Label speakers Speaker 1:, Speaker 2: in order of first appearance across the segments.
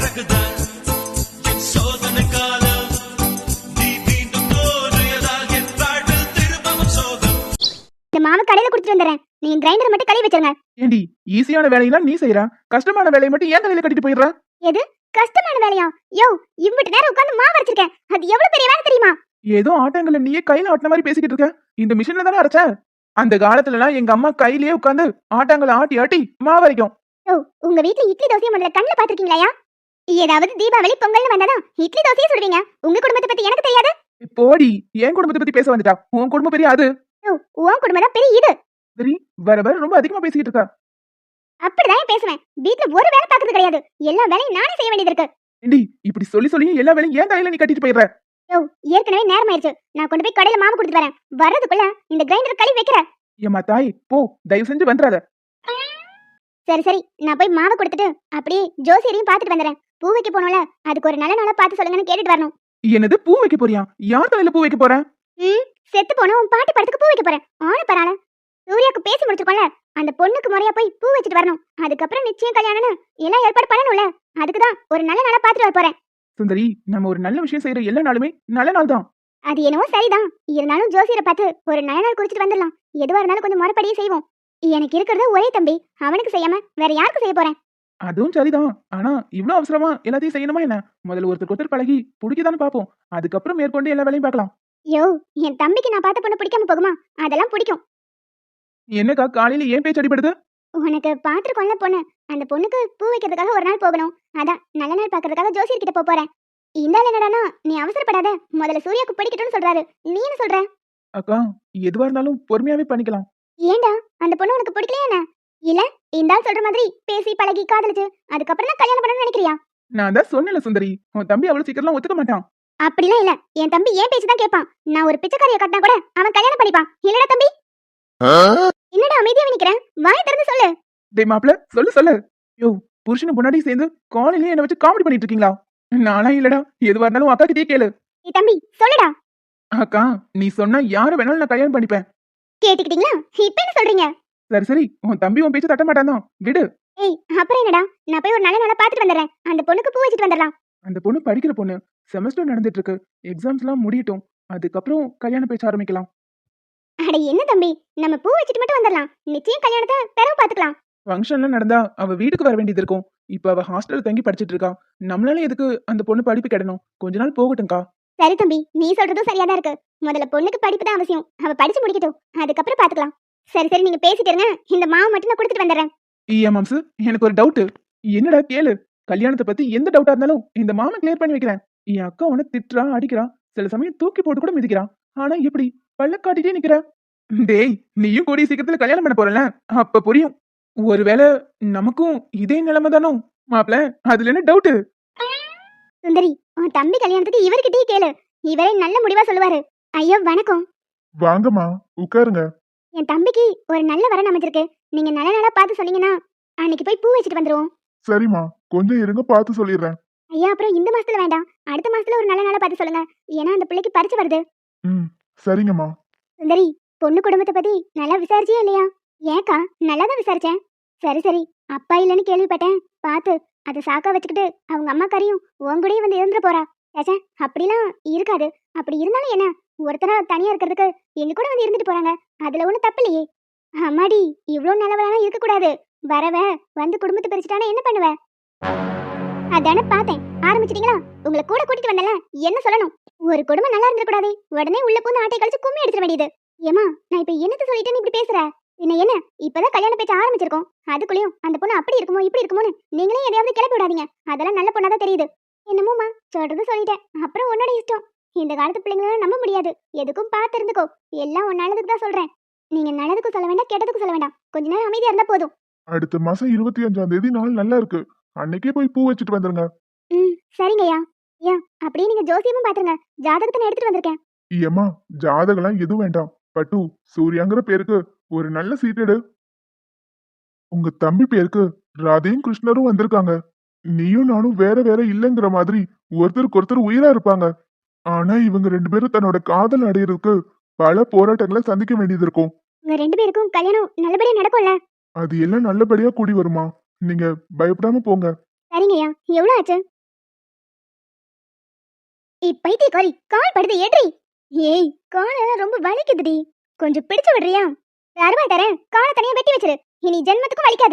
Speaker 1: இந்த மாவு கடையில குடுத்துட்டு வந்துறேன். நீங்க கிரைண்டர் மட்டும் கழுவி வச்சிருங்க.
Speaker 2: ஏண்டி ஈஸியான வேலையெல்லாம் நீ செய்யற, கஷ்டமான வேலையை மட்டும் ஏன் தலையில கட்டிட்டு போயிடுற?
Speaker 1: எது கஷ்டமான வேலையா? யோ, இவ்வளவு நேரம் உட்கார்ந்து மாவு அரைச்சிருக்கேன். அது எவ்வளவு பெரிய வேலை தெரியுமா?
Speaker 2: ஏதோ ஆட்டங்கள்ல நீயே கையில ஆட்டின மாதிரி பேசிக்கிட்டு இருக்க. இந்த மிஷின்ல தானே அரைச்ச? அந்த காலத்துல எல்லாம் எங்க அம்மா கையிலேயே உட்கார்ந்து ஆட்டாங்களை ஆட்டி ஆட்டி மாவு அரைக்கும்.
Speaker 1: யோ, உங்க வீட்ல இட்லி தோசையை முதல்ல கண்ணுல பாத்திருக்கீங்களா? ஏதாவது தீபாவளி பொங்கல்னு வந்தாதான் இட்லி தோசையை சுடுவீங்க. உங்க குடும்பத்தை பத்தி எனக்கு தெரியாது.
Speaker 2: போடி, என் குடும்பத்தை பத்தி பேச வந்துட்டா. உன் குடும்பம் பெரிய அது.
Speaker 1: யோ, உன் குடும்பம் தான் பெரிய இது.
Speaker 2: சரி, வர வர ரொம்ப அதிகமா பேசிக்கிட்டு இருக்க.
Speaker 1: அப்படிதான் பேசுவேன். வீட்ல ஒரு வேலை பாக்குறது கிடையாது. எல்லா வேலையும் நானே செய்ய வேண்டியது இருக்கு.
Speaker 2: ஏண்டி இப்படி சொல்லி சொல்லி எல்லா வேலையும் ஏன் தலையில நீ கட்டிட்டு போயிடுற?
Speaker 1: யோ, ஏற்கனவே நேரம் ஆயிருச்சு. நான் கொண்டு போய் கடையில மாவு கொடுத்து வரேன். வர்றதுக்குள்ள இந்த கிரைண்டர் கழுவி வைக்கிறேன்.
Speaker 2: ஏம்மா தாய், போ, தயவு செஞ்சு வந்துடாத.
Speaker 1: சரி சரி, நான் போய் மாவை கொடுத்துட்டு அப்படியே ஜோசியரையும் பாத்துட்டு வந்துடுறேன். பூ வைக்க போனோம்ல, அதுக்கு ஒரு நல்ல நாளா பார்த்து சொல்லுங்கன்னு கேட்டுட்டு வரணும்.
Speaker 2: என்னது பூ வைக்க போறியா? யார் தலையில பூ வைக்க போற?
Speaker 1: செத்து போன உன் பாட்டி படத்துக்கு பூ வைக்க போறேன். ஆன பரால சூர்யாக்கு பேசி முடிச்சிருக்கோம்ல, அந்த பொண்ணுக்கு முறையா போய் பூ வச்சுட்டு வரணும். அதுக்கப்புறம் நிச்சயம் கல்யாணம்னு எல்லாம் ஏற்பாடு பண்ணணும்ல. அதுக்குதான் ஒரு நல்ல நாளா பாத்துட்டு வர போறேன்.
Speaker 2: சுந்தரி, நம்ம ஒரு நல்ல விஷயம் செய்யற எல்லா நாளுமே நல்ல நாள் தான்.
Speaker 1: அது என்னவோ சரிதான். இருந்தாலும் ஜோசியரை பார்த்து ஒரு நல்ல நாள் குறிச்சிட்டு வந்துடலாம். எதுவா இருந்தாலும் கொஞ்சம் முறைப்படியே செய்வோம். எனக்கு இருக்கிறது ஒரே தம்பி, அவனுக்கு செய்யாம வேற யாருக்கு செய்ய போறேன்?
Speaker 2: அதுவும் சரிதான். ஆனா இவ்ளோ அவசரமா எல்லாத்தையும் செய்யணுமா என்ன? முதல்ல ஒருத்தர் பழகி பிடிக்கதானே பாப்போம். அதுக்கப்புறம் மேற்கொண்டு எல்லா வேலையும் பார்க்கலாம்.
Speaker 1: யோ, என் தம்பிக்கு நான் பார்த்த பொண்ணு பிடிக்காம போகுமா? அதெல்லாம் பிடிக்கும்.
Speaker 2: என்னக்கா காலையில ஏன் பேச்சு அடிபடுது?
Speaker 1: உனக்கு பாத்துருக்கோம்ல பொண்ணு, அந்த பொண்ணுக்கு பூ வைக்கிறதுக்காக ஒரு நாள் போகணும். அதான் நல்ல நாள் பாக்குறதுக்காக ஜோசியர் கிட்ட போறேன். இந்த ஆள் என்னடானா, நீ அவசரப்படாத, முதல்ல சூர்யாக்கு பிடிக்கட்டும்னு சொல்றாரு. நீ என்ன சொல்ற?
Speaker 2: அக்கா, எதுவா இருந்தாலும் பொறுமையாவே பண்ணிக்கலாம்.
Speaker 1: ஏண்டா, அந்த பொண்ணு உனக்கு பிடிக்கலையா என்ன? இல்ல இந்த ஆள் சொல்ற மாதிரி பேசி பழகி காதலிச்சு அதுக்கப்புறம் தான் கல்யாணம் பண்ணணும்னு நினைக்கிறியா?
Speaker 2: நான் தான் சொன்னேன்ல சுந்தரி, உன் தம்பி அவ்வளவு சீக்கிரம் ஒத்துக்க மாட்டான்.
Speaker 1: அப்படிலாம் இல்ல, என் தம்பி ஏன் பேச்சு தான் கேட்பான். நான் ஒரு பிச்சைக்காரியை கட்டினா கூட அவன் கல்யாணம் பண்ணிப்பான். இல்லடா தம்பி? என்னடா அமைதியா நிக்கிறேன்? வாய் திறந்து சொல்லு.
Speaker 2: டேய் மாப்ள, சொல்லு சொல்லு. யோ, புருஷனும் பொண்டாட்டி சேர்ந்து காலையிலேயே என்ன வச்சு காமெடி பண்ணிட்டு இருக்கீங்களா? நானா இல்லடா, எதுவா இருந்தாலும் அக்கா கிட்டே கேளு.
Speaker 1: ஏய் தம்பி, சொல்லுடா.
Speaker 2: அக்கா, நீ சொன்னா யார வேணாலும் நான் கல்யாணம் பண்ணிப்பேன்.
Speaker 1: கேட்டுக்கிட்டீங்களா? இப்ப என்ன சொல்றீங்க?
Speaker 2: சரி சரி, உன் தம்பி உன் பேச்சு தட்ட மாட்டான் தான், விடு.
Speaker 1: ஏய், அப்புறம் என்னடா, நான் போய் ஒரு நல்ல நாளா பாத்துட்டு வந்துடுறேன். அந்த பொண்ணுக்கு பூ வச்சிட்டு வந்துடலாம்.
Speaker 2: அந்த பொண்ணு படிக்கிற பொண்ணு, செமஸ்டர் நடந்துட்டு இருக்கு, எக்ஸாம்ஸ் எல்லாம் முடியட்டும், அதுக்கப்புறம் கல்யாண பேச்ச ஆரம்பிக்கலாம்.
Speaker 1: அட என்ன தம்பி, நம்ம பூ வச்சிட்டு மட்டும் வந்துடலாம். நிச்சயம் கல்யாணத்தை பிறகு பாத்துக்கலாம்.
Speaker 2: ஃபங்க்ஷன்லாம் நடந்தா அவ வீட்டுக்கு வர வேண்டியது இருக்கும். இப்ப அவ ஹாஸ்டல்ல தங்கி படிச்சிட்டு இருக்கா. நம்மளால எதுக்கு அந்த பொண்ணு படிப்பு கெடணும்? கொஞ்ச நாள் போகட்டும்க்கா.
Speaker 1: சரி தம்பி, நீ சொல்றதும் சரியாதான் இருக்கு. முதல்ல பொண்ணுக்கு படிப்பு தான் அவசியம். அவ படிச்சு முடிக்கட்டும், அதுக்கப்புறம் பாத்துக்கலாம். சரி சரி, நீங்க பேசிட்டு இருங்க. இந்த மாவு மட்டும் நான் கொடுத்துட்டு வந்துடுறேன்.
Speaker 2: ஏன் மாம்சு, எனக்கு ஒரு டவுட். என்னடா கேளு. கல்யாணத்தை பத்தி எந்த டவுட்டா இருந்தாலும் இந்த மாமன் கிளியர் பண்ணி வைக்கிறேன். என் அக்கா உன திட்டுறா, அடிக்கிறா, சில சமயம் தூக்கி போட்டு கூட மிதிக்கிறான். ஆனா எப்படி பல்ல காட்டிட்டே நிக்கிற? டேய், நீயும் கூடிய சீக்கிரத்துல கல்யாணம் பண்ண போறல, அப்ப புரியும். ஒருவேளை நமக்கும் இதே நிலைமை தானோ மாப்ள? அதுல என்ன டவுட்?
Speaker 1: சுந்தரி, உன் தம்பி கல்யாணத்துக்கு இவர்கிட்டயே கேளு. இவரே நல்ல முடிவா சொல்லுவாரு. ஐயோ வணக்கம்.
Speaker 3: வாங்கம்மா, உட்காருங்க.
Speaker 1: என் தம்பிக்கு ஒரு நல்ல வரன் அமைஞ்சிருக்கு. நீங்க நல்ல நாளா பார்த்து சொன்னீங்கன்னா அன்னைக்கு போய் பூ வச்சுட்டு வந்துருவோம்.
Speaker 3: சரிம்மா, கொஞ்சம் இருங்க, பார்த்து சொல்லிடுறேன்.
Speaker 1: ஐயா, அப்புறம் இந்த மாசத்துல வேண்டாம், அடுத்த மாசத்துல ஒரு நல்ல நாளா பார்த்து சொல்லுங்க. ஏன்னா அந்த பிள்ளைக்கு பரிச்சு வருது.
Speaker 3: சரிங்கம்மா.
Speaker 1: சுந்தரி, பொண்ணு குடும்பத்தை பத்தி நல்லா விசாரிச்சியா இல்லையா? ஏக்கா, நல்லாதான் விசாரிச்சேன். சரி சரி, அப்பா இல்லைன்னு கேள்விப்பட்டேன். பார்த்து அதை சாக்கா வச்சுக்கிட்டு அவங்க அம்மாக்காரையும் உங்கூடயே வந்து இருந்துட்டு போறா. ஏச்சே, அப்படிலாம் இருக்காது. அப்படி இருந்தாலும் என்ன, ஒருத்தரா தனியா இருக்கிறதுக்கு எங்க கூட வந்து இருந்துட்டு போறாங்க. அதுல ஒண்ணு தப்பு இல்லையே. அம்மாடி, இவ்வளவு நல்லவளாலாம் இருக்க கூடாது. வரவ வந்து குடும்பத்தை பிரிச்சுட்டானா என்ன பண்ணுவ? அதானே பார்த்தேன். ஆரம்பிச்சிட்டீங்களா? உங்களை கூட கூட்டிட்டு வந்தல, என்ன சொல்லணும்? ஒரு குடும்பம் நல்லா இருந்துட கூடாது, உடனே உள்ள பூந்து ஆட்டை கழிச்சு கும்மி அடிச்சிட வேண்டியது. ஏமா, நான் இப்ப என்னத்த சொல்லிட்டேன்னு இப்படி பேசுற? என்ன இப்பதான் கல்யாண பேச்ச ஆரம்பிச்சிருக்கோம். அதுக்குள்ளயும் அந்த பொண்ணு அப்படி இருக்குமோ இப்படி இருக்குமோன்னு நீங்களே எதையாவது கிளப்பி விடாதீங்க. அதெல்லாம் நல்ல பொண்ணாதான் தெரியுது. என்னமோமா, சொல்றது சொல்லிட்டேன், அப்புறம் உன்னோட இஷ்டம். இந்த காலத்து பிள்ளைங்கள நம்ப முடியாது. எதுக்கும் பார்த்து இருந்துக்கோ. எல்லாம் உன் நல்லதுக்கு தான் சொல்றேன். நீங்க நல்லதுக்கும் சொல்ல வேண்டாம், கெட்டதுக்கும் சொல்ல வேண்டாம். கொஞ்ச நேரம் அமைதியா இருந்தா போதும்.
Speaker 3: அடுத்த மாசம் 25ஆம் தேதி நாள் நல்லா இருக்கு. அன்னைக்கே போய் பூ வச்சுட்டு வந்துருங்க.
Speaker 1: சரிங்கய்யா. ஐயா, அப்படியே நீங்க ஜோசியமும் பாத்துருங்க. ஜாதகத்தை நான் எடுத்துட்டு வந்திருக்கேன்.
Speaker 3: ஏம்மா, ஜாதகம்லாம் எதுவும் வேண்டாம். பட்டு சூர்யாங்கிற பேருக்கு ஒரு நல்ல சீட்டெடு. உங்க தம்பி பேருக்கு ராதையும் கிருஷ்ணரும் வந்திருக்காங்க. நீயும் நானும் வேற வேற இல்லைங்கிற மாதிரி ஒருத்தருக்கு ஒருத்தர் உயிரா இருப்பாங்க. ஆனா இவங்க 2 பேரும் தன்னோட காதல் அடையிறதுக்கு பல போராட்டங்களை சந்திக்க வேண்டியது இருக்கும்.
Speaker 1: உங்க 2 பேருக்கும் கல்யாணம் நல்லபடியா நடக்கும்ல?
Speaker 3: அது எல்லாம் நல்லபடியா கூடி வருமா? நீங்க பயப்படாம போங்க.
Speaker 1: சரிங்கய்யா. எவ்வளவு ஆச்சு? இப்பைத்தியக்காரி கால் படுது ஏற்றி. ஏய் காலெல்லாம் ரொம்ப வலிக்குதுடி, கொஞ்சம் பிடிச்சு விடுறியா? அருவா தரேன், காலை தனியா வெட்டி வச்சிரு, இனி ஜென்மத்துக்கும் வலிக்காது.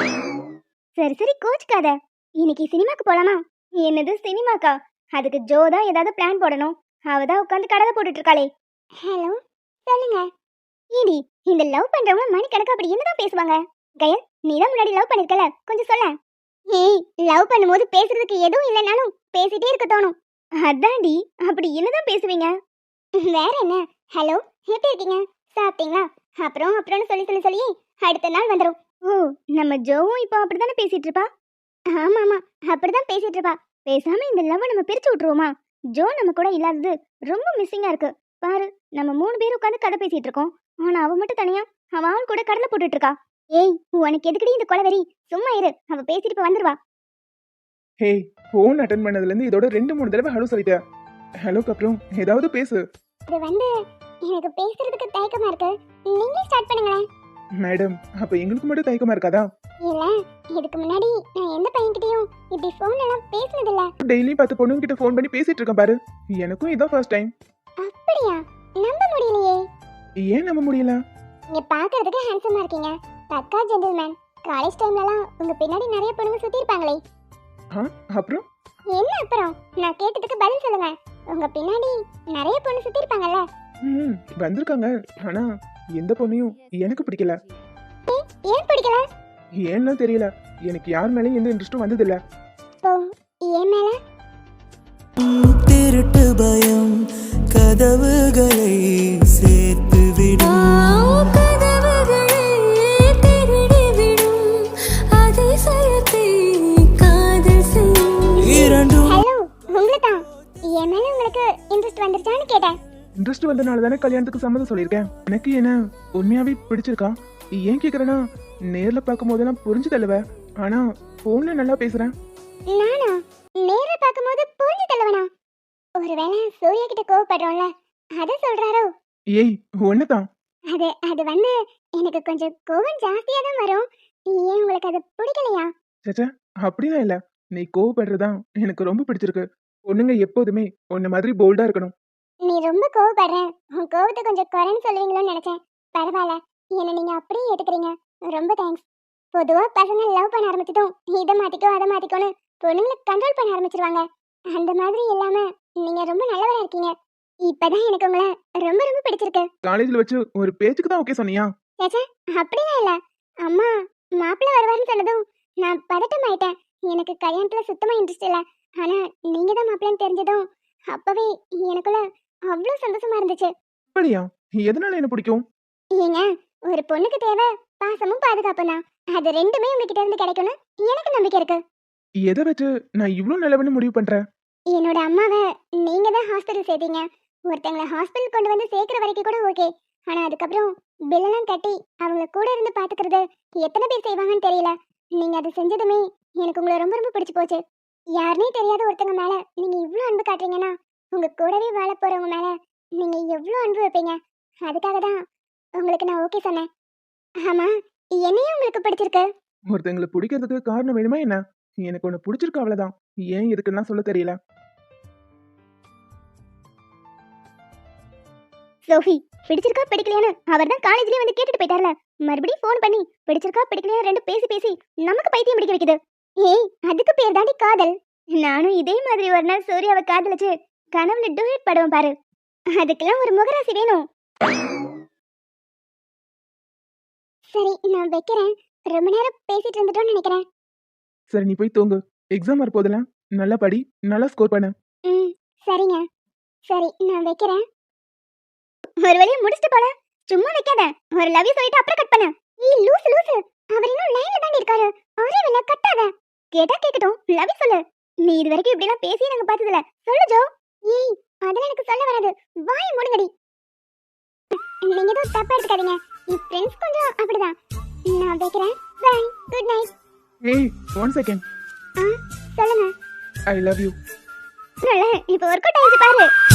Speaker 1: சரி சரி கோச்சுக்காத. இன்னைக்கு சினிமாக்கு போலாமா? என்னது சினிமாக்கா? அதுக்கு ஜோ தான் ஏதாவது பிளான் போடணும். அவதான் உட்காந்து கடலை போட்டுட்டு இருக்காளே. ஹலோ சொல்லுங்க. ஏடி இந்த லவ் பண்றவங்க மணிக்கணக்கா அப்படி என்னதான் பேசுவாங்க? கயல் நீ தான் முன்னாடி லவ் பண்ணிருக்கல, கொஞ்சம் சொல்ல. ஏய் லவ் பண்ணும்போது பேசுறதுக்கு எதுவும் இல்லைனாலும் பேசிட்டே இருக்க தோணும். அதான்டி, அப்படி என்னதான் பேசுவீங்க? வேற என்ன? ஹலோ எப்படி இருக்கீங்க, சாப்பிட்டீங்களா, அப்புறம் அப்புறம்னு சொல்லி சொல்லி சொல்லி அடுத்த நாள் வந்துடும். ஓ நம்ம ஜோவும் இப்போ அப்படித்தானே பேசிட்டு இருப்பா. ஆமா ஆமா அப்படிதான் பேசிட்டு இருப்பா. பேசாம இந்த லவ் நம்ம பிரிச்சு விட்டுருவோமா? ஜோ நம்ம கூட இல்லாதது ரொம்ப மிஸ்ஸிங்கா இருக்கு. பாரு நம்ம 3 பேர் உட்காந்து கதை பேசிட்டு இருக்கோம், ஆனா அவ மட்டும் தனியா அவ ஆள் கூட கடலை போட்டுட்டு இருக்கா. ஏய் உனக்கு எதுக்குடி இந்த கொலவெறி? சும்மா இரு, அவ பேசிட்டு இப்ப வந்துருவா.
Speaker 2: ஹே, ஃபோன் அட்டன் பண்ணதுல இருந்து இதோட 2-3 தடவை ஹலோ சொல்லிட்டேன். ஹலோக்கு அப்புறம் ஏதாவது பேசு.
Speaker 1: இது வந்து எனக்கு பேசுறதுக்கு தயக்கமா இருக்கு, நீங்களே ஸ்டார்ட் பண்ணுங்களேன்.
Speaker 2: மேடம், அப்ப எங்களுக்கு மட்டும் தயக்கமா இருக்காதா?
Speaker 1: இல்ல இதுக்கு முன்னாடி நான் எந்த பையன்கிட்டயும் இப்படி போன் எல்லாம் பேசினது இல்ல.
Speaker 2: டெய்லி 10 பொண்ணுங்க கிட்ட ஃபோன் பண்ணி பேசிட்டு இருக்கேன் பாரு. எனக்கும் இதான் ஃபர்ஸ்ட் டைம்.
Speaker 1: அப்படியா? நம்ப முடியலையே.
Speaker 2: ஏன் நம்ப முடியல?
Speaker 1: நீங்க பாக்குறதுக்கு ஹேண்ட்ஸமா இருக்கீங்க, பக்கா ஜென்டில்மேன். காலேஜ் டைம்லலாம் உங்க பின்னாடி நிறைய பொண்ணுங்க சுத்தி இருப்பாங்களே.
Speaker 2: அப்புறம்
Speaker 1: என்ன அப்புறம்? நான் கேட்டதுக்கு பதில் சொல்லுங்க. உங்க பின்னாடி நிறைய பொண்ணு சுத்தி இருப்பாங்கல்ல.
Speaker 2: வந்திருக்காங்க, ஆனா எந்த பொண்ணையும் எனக்கு பிடிக்கல.
Speaker 1: ஏன் பிடிக்கல?
Speaker 2: ஏன்னா தெரியல, எனக்கு யார் மேலயும் எந்த இன்ட்ரெஸ்டும் வந்தது இல்ல.
Speaker 1: ஓ ஏன் மேல?
Speaker 4: திருட்டு பயம் கதவுகளை சேர்த்து விடும், கதவுகளை திருடி விடும், அதிசயத்தை காதல் செய்யும் இரண்டும்.
Speaker 1: ஹலோ உங்களை தான். என் மேல உங்களுக்கு இன்ட்ரெஸ்ட் வந்துருச்சான்னு கேட்டேன்.
Speaker 2: இன்ட்ரெஸ்ட் வந்தனால தானே கல்யாணத்துக்கு சம்மதம் சொல்லியிருக்கேன். எனக்கு என்ன உண்மையாவே பிடிச்சிருக்கா? ஏன் கேக்குறேன்னா, நேர்ல பார்க்கும் போதெல்லாம் புரிஞ்சு தள்ளுவ, ஆனா போன்ல நல்லா பேசுறேன்.
Speaker 1: நானா நேர்ல பாக்கும்போது புரிஞ்சு தள்ளவனா? ஒருவேளை சூர்யா கிட்ட கோவப்படுறோம்ல, அத சொல்றாரோ?
Speaker 2: ஏய் ஒன்னதான்.
Speaker 1: அது வந்து எனக்கு கொஞ்சம் கோவம் ஜாஸ்தியா தான் வரும். ஏன் உங்களுக்கு அது பிடிக்கலையா?
Speaker 2: சேச்சா, அப்படிலாம் இல்ல. நீ கோவப்படுறதான் எனக்கு ரொம்ப பிடிச்சிருக்கு. பொண்ணுங்க எப்போதுமே உன்ன மாதிரி போல்டா இருக்கணும்.
Speaker 1: நீ ரொம்ப கோவப்படுற, உன் கோவத்தை கொஞ்சம் குறைன்னு சொல்லுவீங்களோன்னு நினைச்சேன். பரவாயில்ல, என்ன நீங்க அப்படியே ஏத்துக்கிறீங்க, ரொம்ப தேங்க்ஸ். பொதுவா பசங்க லவ் பண்ண ஆரம்பிச்சதும் இதை மாத்திக்கோ அதை மாத்திக்கோன்னு பொண்ணுங்களை கண்ட்ரோல் பண்ண ஆரம்பிச்சிருவாங்க. அந்த மாதிரி இல்லாம நீங்க ரொம்ப நல்லவரா இருக்கீங்க. இப்பதான் எனக்கு உங்களை ரொம்ப ரொம்ப பிடிச்சிருக்கு.
Speaker 2: காலேஜ்ல வச்சு ஒரு பேச்சுக்கு தான் ஓகே சொன்னியா?
Speaker 1: சேச்சே அப்படிலாம் இல்ல. அம்மா மாப்பிள்ளை வருவாருன்னு சொன்னதும் நான் பதட்டம் ஆயிட்டேன். எனக்கு கல்யாணத்துல சுத்தமா இன்ட்ரெஸ்ட் இல்ல. ஆனா நீங்க தான் மாப்பிள்ளைன்னு தெரிஞ்சதும் அப்பவே எனக்குள்ள அவ்வளோ சந்தோஷமா இருந்துச்சு.
Speaker 2: அப்படியா? எதனால என்ன பிடிக்கும்?
Speaker 1: ஏங்க ஒரு பொண்ணுக்கு தேவை பாசமும் பாதுகாப்பும் தான். அது ரெண்டுமே உங்ககிட்ட இருந்து கிடைக்கும்னு எனக்கு நம்பிக்கை இருக்கு.
Speaker 2: எதை வச்சு நான் இவ்ளோ நல்லவன்னு முடிவு பண்றேன்?
Speaker 1: என்னோட அம்மாவை நீங்க தான் ஹாஸ்பிட்டல் சேர்த்தீங்க. ஒருத்தங்களை ஹாஸ்பிட்டல் கொண்டு வந்து சேர்க்கிற வரைக்கும் கூட ஓகே. ஆனா அதுக்கப்புறம் பில்லெல்லாம் கட்டி அவங்கள கூட இருந்து பாத்துக்கிறது எத்தனை பேர் செய்வாங்கன்னு தெரியல. நீங்க அதை செஞ்சதுமே எனக்கு உங்களை ரொம்ப ரொம்ப பிடிச்சு போச்சு. யாருனே தெரியாத ஒருத்தங்க மேல நீங்க இவ்ளோ அன்பு காட்டுறீங்கன்னா, உங்க கூடவே வாழ போறவங்க மேல நீங்க எவ்வளோ அன்பு வைப்பீங்க. அதுக்காக தான் உங்களுக்கு நான் ஓகே சொன்னேன். ஆமா என்னையும் உங்களுக்கு பிடிச்சிருக்கு.
Speaker 2: ஒருத்தங்களை பிடிக்கிறதுக்கு காரணம் வேணுமா என்ன? எனக்கு ஒண்ணு பிடிச்சிருக்கு, அவ்வளவுதான். ஏன் எதுக்குன்னா சொல்ல தெரியல.
Speaker 1: சோஃபி பிடிச்சிருக்கா பிடிக்கலையான்னு அவர் தான் காலேஜ்லயே வந்து கேட்டுட்டு போயிட்டார்ல. மறுபடியும் ஃபோன் பண்ணி பிடிச்சிருக்கா பிடிக்கலையா ரெண்டு பேசி பேசி நமக்கு பைத்தியம் பிடிக்க வைக்குது. ஏய் அதுக்கு பேர் தாண்டி காதல். நானும் இதே மாதிரி ஒரு நாள் சூர்யாவை காதலிச்சு கனவுல டூயட் படுவோம் பாரு. அதுக்கெல்லாம் ஒரு முகராசி வேணும். சரி நான் வைக்கிறேன். ரொம்ப நேரம் பேசிட்டு இருந்துட்டோம்னு நினைக்கிறேன்.
Speaker 2: சரி நீ போய் தூங்கு. எக்ஸாம் வரப்போதெல்லாம் நல்லா படி, நல்லா ஸ்கோர் பண்ணு.
Speaker 1: சரிங்க. சரி நான் வைக்கிறேன். ஒரு வழியை முடிச்சிட்டு போல, சும்மா வைக்காத. ஒரு லவ் யூ சொல்லிட்டு அப்புறம் கட் பண்ணு. ஏய் லூசு லூசு, அவர் இன்னும் லைன்ல தான் இருக்காரு. ஒரே வேளை கட்டாத. கேட்டா கேக்கட்டும், லவ் யூ சொல்லு. நீ இது வரைக்கும் இப்படி எல்லாம் பேசி நாங்க பார்த்ததில்ல. சொல்லு ஜோ. ஏய் அதெல்லாம் எனக்கு சொல்ல வராது, வாய் மூடுங்கடி. நீங்க ஏதோ தப்பா எடுத்துக்காதீங்க, என் ஃப்ரெண்ட்ஸ் கொஞ்சம் அப்படிதான். நான் வைக்கிறேன். Bye, good night.
Speaker 2: ஏய் 1 செகண்ட்.
Speaker 1: சொல்லுங்க.
Speaker 2: I love you.
Speaker 1: இப்ப ஒர்க் அவுட் ஆயிடுச்சு பாரு.